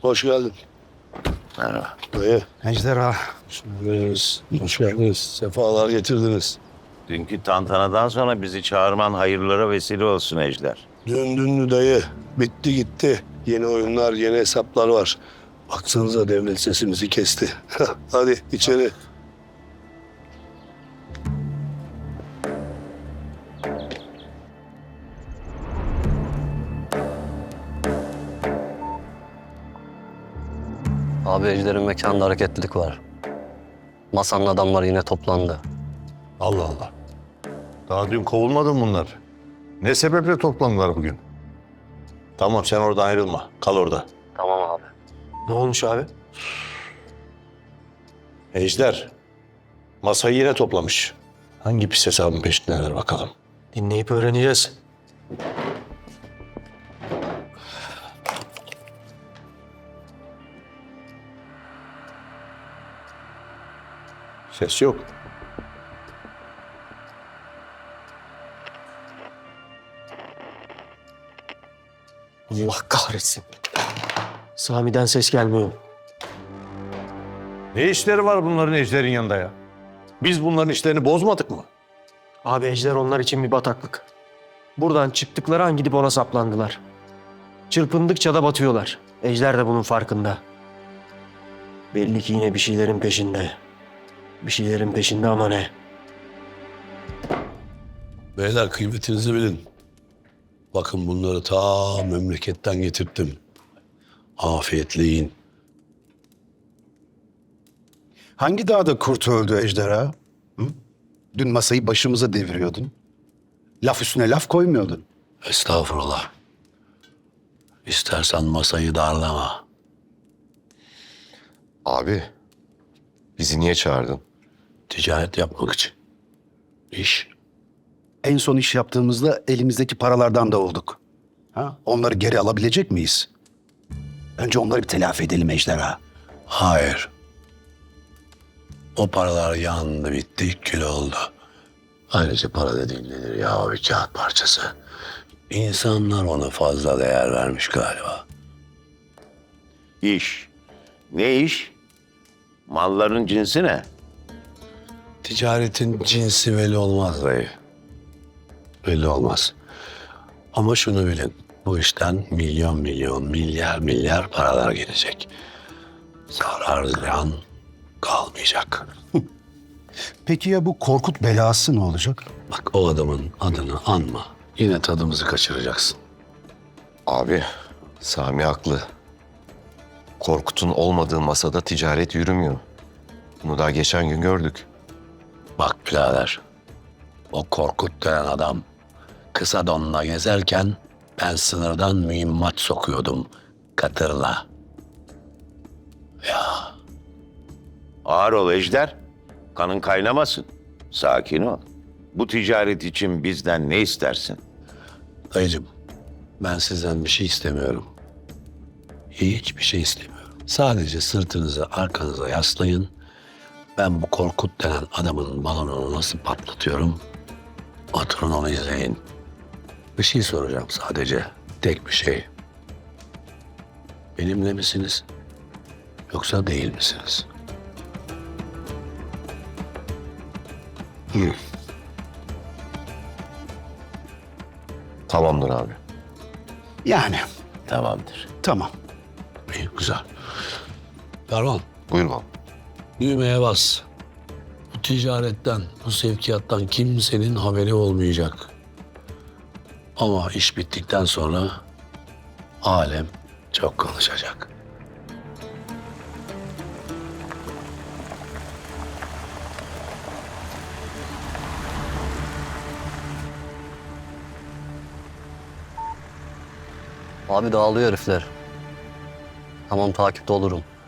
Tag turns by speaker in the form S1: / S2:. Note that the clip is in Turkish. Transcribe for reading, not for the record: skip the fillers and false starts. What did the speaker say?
S1: Hoş geldin.
S2: Merhaba.
S1: Dayı.
S3: Ejderha.
S1: Hoş geldiniz. Sefalar getirdiniz.
S2: Dünkü tantanadan sonra bizi çağırman hayırlara vesile olsun Ejder.
S1: Döndün dayı. Bitti gitti. Yeni oyunlar, yeni hesaplar var. Baksanıza devlet sesimizi kesti. Hadi içeri.
S4: Abi Ejder'in mekanında hareketlilik var. Masanın adamları yine toplandı.
S5: Allah Allah. Daha dün kovulmadı mı bunlar? Ne sebeple toplandılar bugün? Tamam sen oradan ayrılma. Kal orada.
S4: Tamam abi.
S3: Ne olmuş abi?
S5: Ejder. Masayı yine toplamış. Hangi pis hesabın peşindeler bakalım.
S3: Dinleyip öğreneceğiz.
S5: Ses yok.
S3: Allah kahretsin. Sami'den ses gelmiyor.
S5: Ne işleri var bunların Ejder'in yanında ya? Biz bunların işlerini bozmadık mı?
S3: Abi Ejder onlar için bir bataklık. Buradan çıktıkları an gidip ona saplandılar. Çırpındıkça da batıyorlar. Ejder de bunun farkında. Belli ki yine bir şeylerin peşinde. Bir şeylerin peşinde ama ne?
S1: Beyler kıymetinizi bilin. Bakın bunları ta memleketten getirttim. Afiyetle yiyin.
S6: Hangi dağda kurt öldü ejderha? Hı? Dün masayı başımıza deviriyordun. Laf üstüne laf koymuyordun.
S1: Estağfurullah. İstersen masayı darlama.
S7: Abi, bizi niye çağırdın?
S1: Ticaret yapmak için. İş.
S6: En son iş yaptığımızda elimizdeki paralardan da olduk. Ha? Onları geri alabilecek miyiz? Önce onları bir telafi edelim ejderha.
S1: Hayır. O paralar yandı, bitti, kül oldu. Ayrıca para dediğin nedir ya, bir kağıt parçası. İnsanlar ona fazla değer vermiş galiba.
S2: İş. Ne iş? Malların cinsi ne?
S1: Ticaretin cinsi belli olmaz dayı. Belli olmaz. Ama şunu bilin, bu işten milyon milyon, milyar milyar paralar gelecek. Zarar ziyan kalmayacak.
S6: Peki ya bu Korkut belası ne olacak?
S1: Bak o adamın adını anma. Yine tadımızı kaçıracaksın.
S7: Abi, Sami haklı. Korkut'un olmadığı masada ticaret yürümüyor. Bunu daha geçen gün gördük.
S1: Bak birader, o Korkut denen adam kısa donla gezerken ben sınırdan mühimmat sokuyordum katırla.
S2: Ağır ol Ejder. Kanın kaynamasın. Sakin ol. Bu ticaret için bizden ne istersin?
S1: Dayıcığım, ben sizden bir şey istemiyorum. Hiçbir şey istemiyorum. Sadece sırtınızı arkanıza yaslayın. Ben bu Korkut denen adamın balonunu nasıl patlatıyorum? Oturun onu izleyin. Bir şey soracağım sadece. Tek bir şey. Benimle misiniz? Yoksa değil misiniz?
S7: Tamamdır abi.
S6: Yani
S2: Tamamdır.
S6: tamam.
S1: İyi, güzel. Ferman,
S7: Buyur baba.
S1: düğmeye bas. Bu ticaretten, bu sevkiyattan kimsenin haberi olmayacak. Ama iş bittikten sonra alem çok konuşacak.
S4: Abi dağılıyor herifler. Tamam takipte olurum.